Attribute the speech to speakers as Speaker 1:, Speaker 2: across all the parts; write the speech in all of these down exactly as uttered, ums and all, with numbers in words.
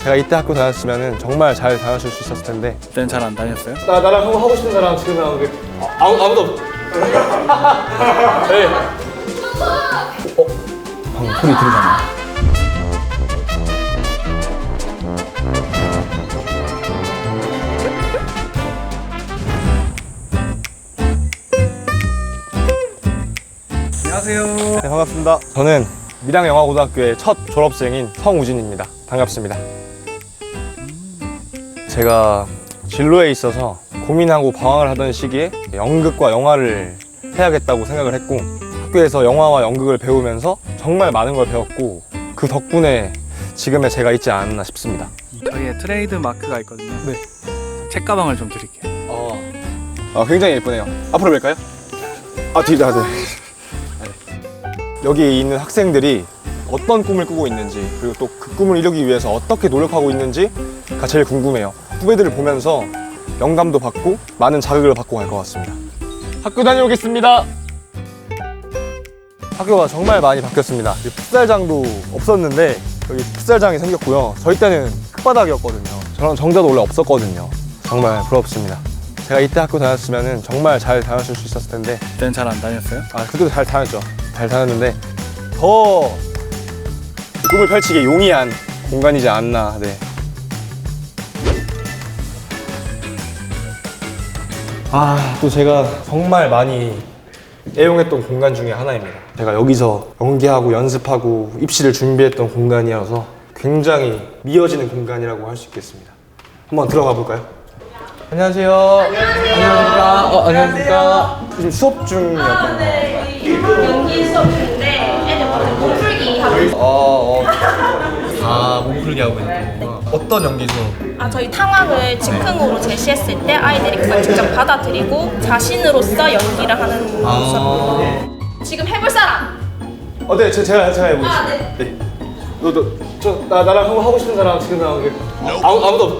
Speaker 1: 제가 이때 학교 다녔으면 정말 잘 다녔을 수 있었을 텐데.
Speaker 2: 그때는 잘 안 다녔어요?
Speaker 1: 나, 나랑 하고, 하고 싶은 사람 지금 나오는 게 아, 아무, 아무도 없... 네. 어? 방금 소리 들리잖아.
Speaker 2: 안녕하세요.
Speaker 1: 네, 반갑습니다. 저는 밀양영화고등학교의 첫 졸업생인 성우진입니다. 반갑습니다. 제가 진로에 있어서 고민하고 방황을 하던 시기에 연극과 영화를 해야겠다고 생각을 했고, 학교에서 영화와 연극을 배우면서 정말 많은 걸 배웠고, 그 덕분에 지금의 제가 있지 않았나 싶습니다.
Speaker 2: 저희의 트레이드 마크가 있거든요.
Speaker 1: 네.
Speaker 2: 책가방을 좀 드릴게요.
Speaker 1: 어, 아, 굉장히 예쁘네요. 앞으로 뵐까요? 아, 뒤에, 아, 네. 여기 있는 학생들이 어떤 꿈을 꾸고 있는지, 그리고 또 그 꿈을 이루기 위해서 어떻게 노력하고 있는지가 제일 궁금해요. 후배들을 보면서 영감도 받고 많은 자극을 받고 갈 것 같습니다. 학교 다녀오겠습니다. 학교가 정말 많이 바뀌었습니다. 풋살장도 없었는데 여기 풋살장이 생겼고요. 저희 때는 끝바닥이었거든요. 저런 정자도 원래 없었거든요. 정말 부럽습니다. 제가 이때 학교 다녔으면 정말 잘 다녔을 수 있었을 텐데.
Speaker 2: 그때는 잘 안 다녔어요?
Speaker 1: 아, 그때도 잘 다녔죠. 잘 다녔는데 더 꿈을 펼치기 용이한 공간이지 않나. 네. 아, 또 제가 정말 많이 애용했던 공간 중에 하나입니다. 제가 여기서 연기하고 연습하고 입시를 준비했던 공간이어서 굉장히 미어지는 공간이라고 할 수 있겠습니다. 한번 들어가 볼까요? 안녕하세요. 안녕하세요. 안녕하십니까. 어, 안녕하십니까. 지금 수업 중이었던
Speaker 3: 아, 네. 연기 수업 중인데 애들 완전 몸풀기 하고 있어요.
Speaker 1: 어, 어. 아, 몸풀기 하고 있는 거구나. 어떤 연기 수업?
Speaker 3: 아, 저희 상황을 즉흥으로 제시했을 때 아이들이 그걸 직접 받아들이고 자신으로서 연기를 하는 수업. 지금 해볼 사람?
Speaker 1: 어, 네, 제, 제가, 제가 해보겠습니다.
Speaker 3: 아, 네.
Speaker 1: 네. 너, 너, 저, 나, 나랑 하고, 하고 싶은 사람 지금 나오는 게 아무, 아무도 없.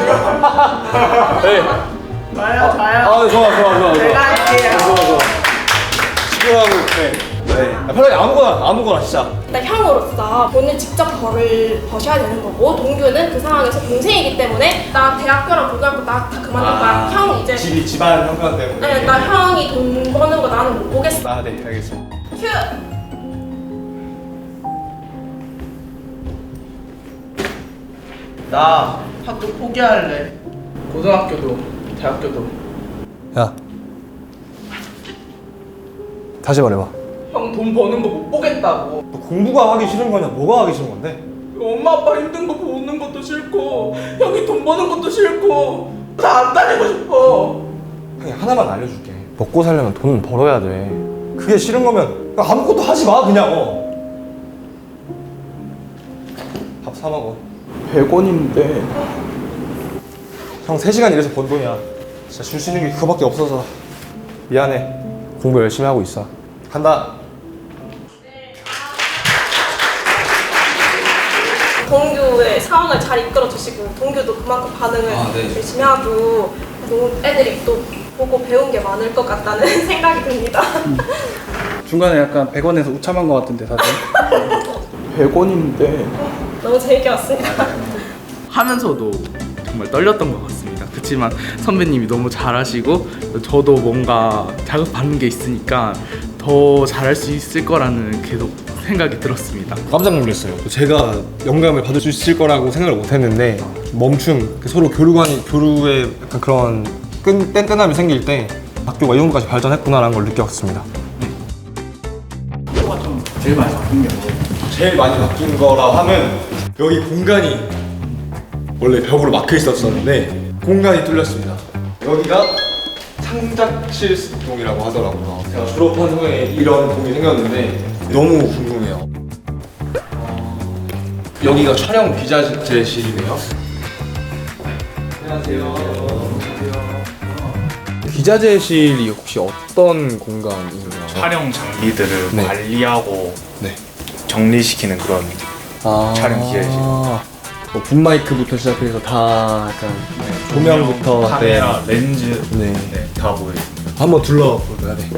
Speaker 1: 네.
Speaker 4: 저요, 저요.
Speaker 1: 아, 좋아, 좋아, 좋아.
Speaker 4: 제가 할게요.
Speaker 1: 좋아, 좋아. 집중하고, 네. 네. 아, 편하게 아무거나, 아무거나, 진짜.
Speaker 3: 일단 형으로서 본인 직접 벌을 버셔야 되는 거고, 동규는 그 상황에서 동생이기 때문에 나 대학교랑 고등학교 나 다 그만둘 거야. 형 이제
Speaker 1: 집이, 집안 형편 때문에.
Speaker 3: 네, 나 형이 돈 버는 거 나는 못 보겠어.
Speaker 1: 아, 네, 알겠습니다.
Speaker 3: 큐!
Speaker 4: 나 학교 포기할래. 고등학교도 대학교도.
Speaker 1: 야. 다시 말해봐.
Speaker 4: 형 돈 버는 거 못 보겠다고.
Speaker 1: 너 공부가 하기 싫은 거냐? 뭐가 하기 싫은 건데?
Speaker 4: 엄마 아빠 힘든 거 보는 것도 싫고 형이 돈 버는 것도 싫고 다 안 다니고 싶어.
Speaker 1: 형이 하나만 알려줄게. 먹고 살려면 돈은 벌어야 돼. 그게 싫은 거면 그냥 아무것도 하지 마, 그냥. 어. 밥 사 먹어.
Speaker 4: 백 원인데.
Speaker 1: 형 세 시간 일해서 번 돈이야. 진짜 줄 수 있는 게 그거밖에 없어서 미안해. 공부 열심히 하고 있어. 간다.
Speaker 3: 동규의 상황을 잘 이끌어 주시고 동규도 그만큼 반응을
Speaker 1: 아, 네.
Speaker 3: 열심히 하고 너무 애들이 또 보고 배운 게 많을 것 같다는 생각이 듭니다.
Speaker 2: 중간에 약간 백 원에서 우참한 것 같은데 다들.
Speaker 4: 백 원인데.
Speaker 3: 너무 재밌게 봤습니다.
Speaker 5: 하면서도 정말 떨렸던 것 같습니다. 그렇지만 선배님이 너무 잘하시고 저도 뭔가 자극받는 게 있으니까 더 잘할 수 있을 거라는 계속 생각이 들었습니다.
Speaker 1: 깜짝 놀랐어요. 제가 영감을 받을 수 있을 거라고 생각을 못 했는데 멈춤, 서로 교류관이, 교류에 약간 그런 끈, 뗀뗀함이 생길 때 학교가 이 정도까지 발전했구나라는 걸 느꼈습니다.
Speaker 2: 학교가 좀 제일 많이 바뀐 게 뭐예요?
Speaker 1: 제일 많이 바뀐 거라 하면 여기 공간이 원래 벽으로 막혀 있었었는데 공간이 뚫렸습니다. 여기가 창작실동이라고 하더라고요. 제가 졸업한 후에 이런 동이 생겼는데 너무 궁금해요. 여기가 촬영 기자재실이네요. 안녕하세요. 기자재실이 혹시 어떤 공간인가요?
Speaker 6: 촬영 장비들을
Speaker 1: 네.
Speaker 6: 관리하고
Speaker 1: 네.
Speaker 6: 정리시키는 그런
Speaker 1: 아~
Speaker 6: 촬영 기자재실.
Speaker 1: 뭐 붐마이크부터 시작해서 다 약간 네, 조명부터
Speaker 6: 카메라, 렌즈
Speaker 1: 네.
Speaker 6: 네, 다 보여요.
Speaker 1: 한번 둘러볼까요? 네.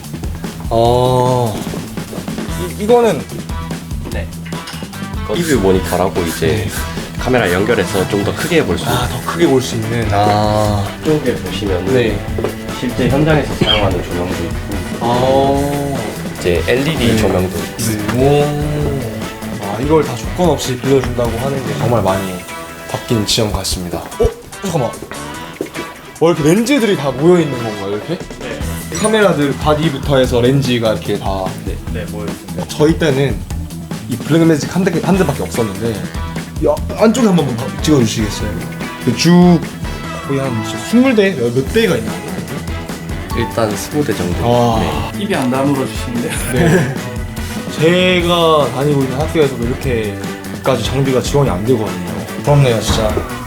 Speaker 1: 어, 이, 이거는
Speaker 7: 이뷰 모니터라고 이제 카메라 연결해서 좀 더 크게 볼 수 있어요.
Speaker 1: 아, 더 크게 볼 수 있는. 아.
Speaker 7: 쪽에 보시면
Speaker 1: 네.
Speaker 7: 실제 현장에서 사용하는 조명도 있고
Speaker 1: 아.
Speaker 7: 이제 엘이디
Speaker 1: 네.
Speaker 7: 조명도 있고
Speaker 1: 네. 오. 아, 이걸 다 조건 없이 빌려준다고 하는 게 정말 많이 바뀐 지점 같습니다. 어? 잠깐만. 어, 이렇게 렌즈들이 다 모여 있는 건가요, 이렇게? 네. 카메라들 바디부터 해서 렌즈가 이렇게 다.
Speaker 7: 네, 네 모여 있습니다.
Speaker 1: 저희 때는 이 블랙매직 한, 대, 한 대밖에 없었는데 이 아- 안쪽에 한번 찍어주시겠어요? 그 쭉 거의 한 스물 대? 몇, 몇 대가 있나?
Speaker 7: 일단 스무 대 정도.
Speaker 1: 와.
Speaker 2: 입이 안 다물어 주시는데요.
Speaker 1: 네. 제가 다니고 있는 학교에서도 이렇게까지 장비가 지원이 안 되거든요. 부럽네요, 진짜.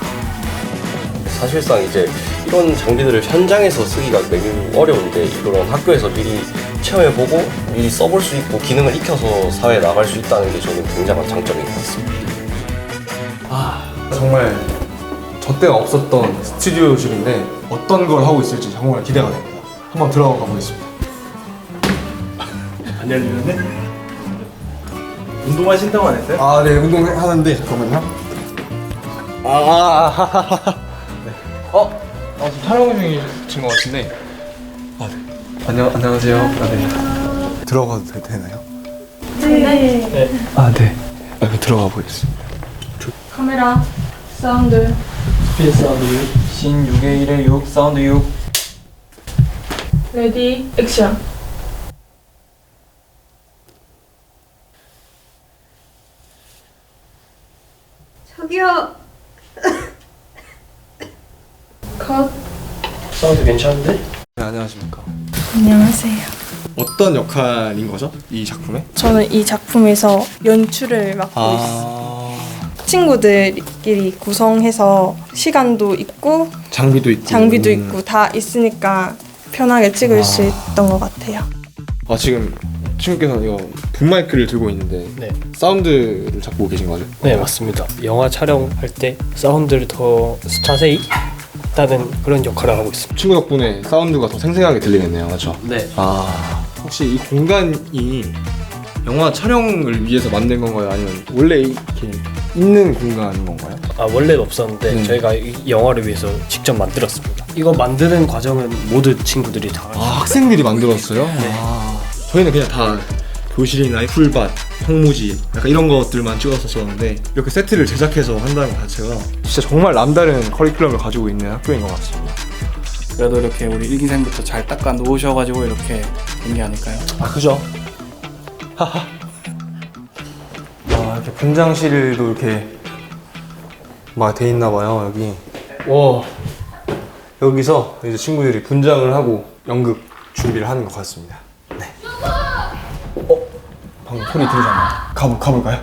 Speaker 7: 사실상 이제 이런 장비들을 현장에서 쓰기가 매우 어려운데 이런 학교에서 미리 체험해보고 미리 써볼 수 있고 기능을 익혀서 사회에 나갈 수 있다는 게 저는 굉장한 장점인 것 같습니다.
Speaker 1: 아, 정말 저 때가 없었던 스튜디오실인데 어떤 걸 하고 있을지 정말 기대가 됩니다. 한번 들어가 보겠습니다.
Speaker 2: 안 열리는데? 운동하신다고 안 했어요?
Speaker 1: 아, 네, 운동하는데 잠깐만요. 아, 아, 아, 네. 어? 아, 지금 촬영 중이신 것 같은데. 아, 네. 안녕, 안녕하세요. 아, 네. 들어가도 되, 되나요?
Speaker 3: 네.
Speaker 1: 아, 네. 아, 그 들어가 보겠습니다.
Speaker 3: 카메라, 사운드.
Speaker 2: 스피드 사운드 육, 신 육에 일에 육, 사운드 육.
Speaker 3: 레디, 액션.
Speaker 8: 저기요.
Speaker 3: 컷.
Speaker 7: 사운드 괜찮은데?
Speaker 1: 네, 안녕하십니까.
Speaker 3: 안녕하세요.
Speaker 1: 어떤 역할인 거죠? 이 작품에?
Speaker 3: 저는 이 작품에서 연출을 맡고 있어요.
Speaker 1: 아,
Speaker 3: 친구들끼리 구성해서 시간도 있고
Speaker 1: 장비도 있고.
Speaker 3: 장비도
Speaker 1: 음.
Speaker 3: 있고 다 있으니까 편하게 찍을
Speaker 1: 아.
Speaker 3: 수 있던 것 같아요.
Speaker 1: 아, 지금 친구께서 이거 붐마이크를 들고 있는데
Speaker 9: 네.
Speaker 1: 사운드를 잡고 계신 거죠?
Speaker 9: 네, 맞습니다. 영화 촬영할 때 사운드를 더 자세히 따는 그런 역할을 하고 있습니다.
Speaker 1: 친구 덕분에 사운드가 더 생생하게 들리겠네요, 맞죠?
Speaker 9: 네.
Speaker 1: 아, 혹시 이 공간이 영화 촬영을 위해서 만든 건가요? 아니면 원래 이렇게 있는 공간인 건가요?
Speaker 9: 아, 원래는 없었는데
Speaker 1: 음.
Speaker 9: 저희가 이 영화를 위해서 직접 만들었습니다. 이거 만드는 과정은 모든 친구들이 다
Speaker 1: 아, 학생들이 만들었어요? 아, 저희는 그냥 다 교실이나 풀밭, 황무지 약간 이런 것들만 찍었었었는데 이렇게 세트를 제작해서 한다는 것 자체가 진짜 정말 남다른 커리큘럼을 가지고 있는 학교인 것 같습니다.
Speaker 2: 그래도 이렇게 우리 일기생부터 잘 닦아 놓으셔가지고 이렇게 된 게 아닐까요?
Speaker 1: 아, 그죠? 하하. 아, 이렇게 분장실도 이렇게 막 돼 있나 봐요, 여기. 와. 여기서 이제 친구들이 분장을 하고 연극 준비를 하는 것 같습니다. 네. 어? 방금 소리 들리잖아요. 가볼, 가볼까요?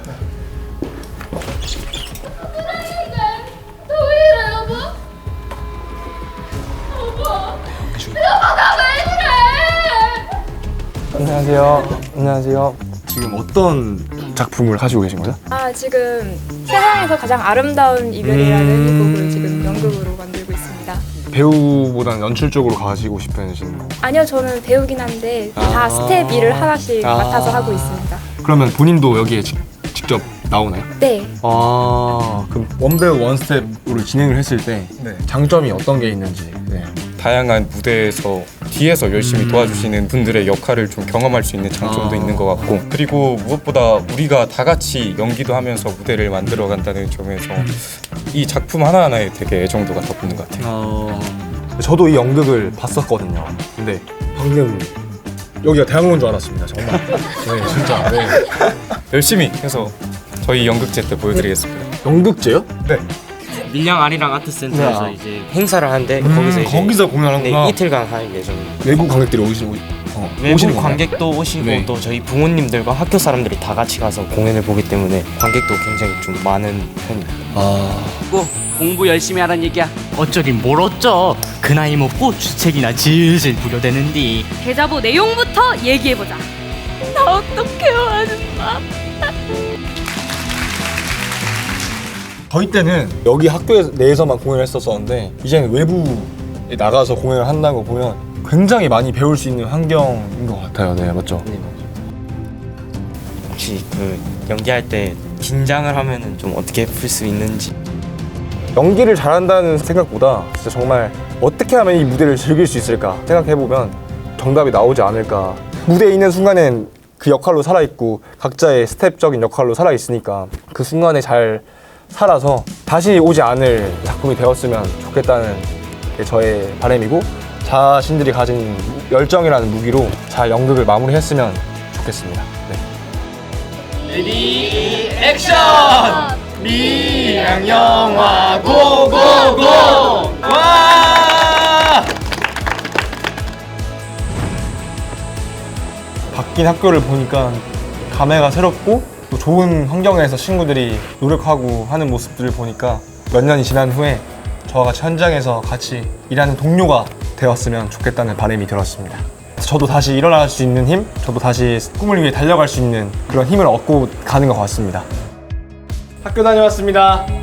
Speaker 1: 안녕하세요. 안녕하세요. 지금 어떤 작품을 하시고 계신 거죠?
Speaker 8: 아 지금 세상에서 가장 아름다운 이별이라는
Speaker 1: 음.
Speaker 8: 곡을 지금 연극으로 만들고 있습니다.
Speaker 1: 배우보다는 연출 쪽으로 가시고 싶으신 거.
Speaker 8: 아니요, 저는 배우긴 한데
Speaker 1: 아.
Speaker 8: 다 스텝 일을 하나씩
Speaker 1: 아.
Speaker 8: 맡아서 하고 있습니다.
Speaker 1: 그러면 본인도 여기에 지, 직접 나오나요?
Speaker 8: 네,
Speaker 1: 아, 그럼 원배우 원스텝으로 진행을 했을 때 장점이 어떤 게 있는지. 네.
Speaker 10: 다양한 무대에서 뒤에서 열심히
Speaker 1: 음.
Speaker 10: 도와주시는 분들의 역할을 좀 경험할 수 있는 장점도
Speaker 1: 아.
Speaker 10: 있는 것 같고, 그리고 무엇보다 우리가 다 같이 연기도 하면서 무대를 만들어 간다는 점에서 이 작품 하나하나에 되게 애정도가 더 붙는 것 같아요.
Speaker 1: 어... 저도 이 연극을 봤었거든요. 근데 방금 여기가 대학로인 줄 알았습니다. 정말. 네, 진짜. 네.
Speaker 10: 열심히 해서 저희 연극제 때 보여드리겠습니다.
Speaker 1: 연극제요? 네.
Speaker 9: 밀양 아리랑 아트센터에서
Speaker 1: 네.
Speaker 9: 이제 행사를 하는데
Speaker 1: 음,
Speaker 9: 거기서 이제
Speaker 1: 거기서 공연하는구나.
Speaker 9: 네, 이틀간 할 예정입니다.
Speaker 1: 외국 관객들이 오시는 어,
Speaker 9: 외국
Speaker 1: 오시는 건가요?
Speaker 9: 관객도 오시고
Speaker 1: 네.
Speaker 9: 또 저희 부모님들과 학교 사람들이 다 같이 가서 공연을 보기 때문에 관객도 굉장히 좀 많은 편입니다.
Speaker 1: 아.
Speaker 11: 꼭 공부 열심히 하란 얘기야. 어쩌긴 뭘 어쩌. 그 나이 먹고 주책이나 질질 부려대는디.
Speaker 8: 대자보 내용부터 얘기해보자. 나 어떡해요, 아줌마.
Speaker 1: 저희 때는 여기 학교 내에서만 공연을 했었었는데 이제는 외부에 나가서 공연을 한다는 거 보면 굉장히 많이 배울 수 있는 환경인 것 같아요. 네, 맞죠?
Speaker 9: 네, 맞아요. 혹시 그 연기할 때
Speaker 12: 긴장을 하면은 좀 어떻게 풀 수 있는지.
Speaker 1: 연기를 잘한다는 생각보다 진짜 정말 어떻게 하면 이 무대를 즐길 수 있을까 생각해보면 정답이 나오지 않을까. 무대에 있는 순간엔 그 역할로 살아있고 각자의 스텝적인 역할로 살아있으니까 그 순간에 잘 살아서 다시 오지 않을 작품이 되었으면 좋겠다는 게 저의 바람이고, 자신들이 가진 열정이라는 무기로 잘 연극을 마무리했으면 좋겠습니다. 네.
Speaker 4: 레디 액션! 미양 영화 고고고! 와!
Speaker 1: 바뀐 학교를 보니까 감회가 새롭고 또 좋은 환경에서 친구들이 노력하고 하는 모습들을 보니까 몇 년이 지난 후에 저와 같이 현장에서 같이 일하는 동료가 되었으면 좋겠다는 바람이 들었습니다. 저도 다시 일어날 수 있는 힘, 저도 다시 꿈을 위해 달려갈 수 있는 그런 힘을 얻고 가는 것 같습니다. 학교 다녀왔습니다.